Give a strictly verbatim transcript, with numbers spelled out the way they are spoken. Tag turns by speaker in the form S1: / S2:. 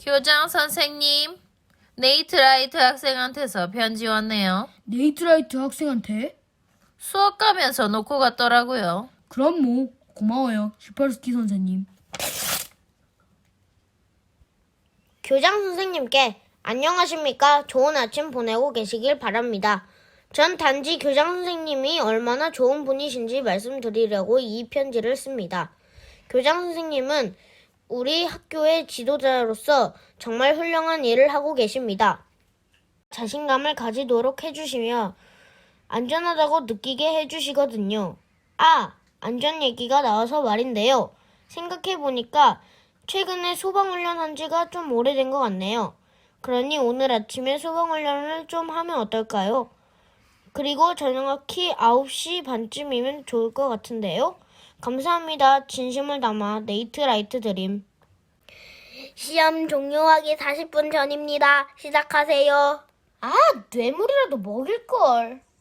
S1: 교장 선생님, 네이트라이트 학생한테서 편지 왔네요.
S2: 네이트라이트 학생한테?
S1: 수업 가면서 놓고 갔더라고요.
S2: 그럼 뭐 고마워요, 슈퍼스키 선생님.
S3: 교장 선생님께 안녕하십니까? 좋은 아침 보내고 계시길 바랍니다. 전 단지 교장 선생님이 얼마나 좋은 분이신지 말씀드리려고 이 편지를 씁니다. 교장 선생님은 우리 학교의 지도자로서 정말 훌륭한 일을 하고 계십니다. 자신감을 가지도록 해주시며 안전하다고 느끼게 해주시거든요. 아, 안전 얘기가 나와서 말인데요. 생각해보니까 최근에 소방훈련 한 지가 좀 오래된 것 같네요. 그러니 오늘 아침에 소방훈련을 좀 하면 어떨까요? 그리고 정확히 아홉 시 반쯤이면 좋을 것 같은데요. 감사합니다. 진심을 담아 네이트라이트 드림. 시험 종료하기 사십 분 전입니다. 시작하세요. 아, 뇌물이라도 먹일걸.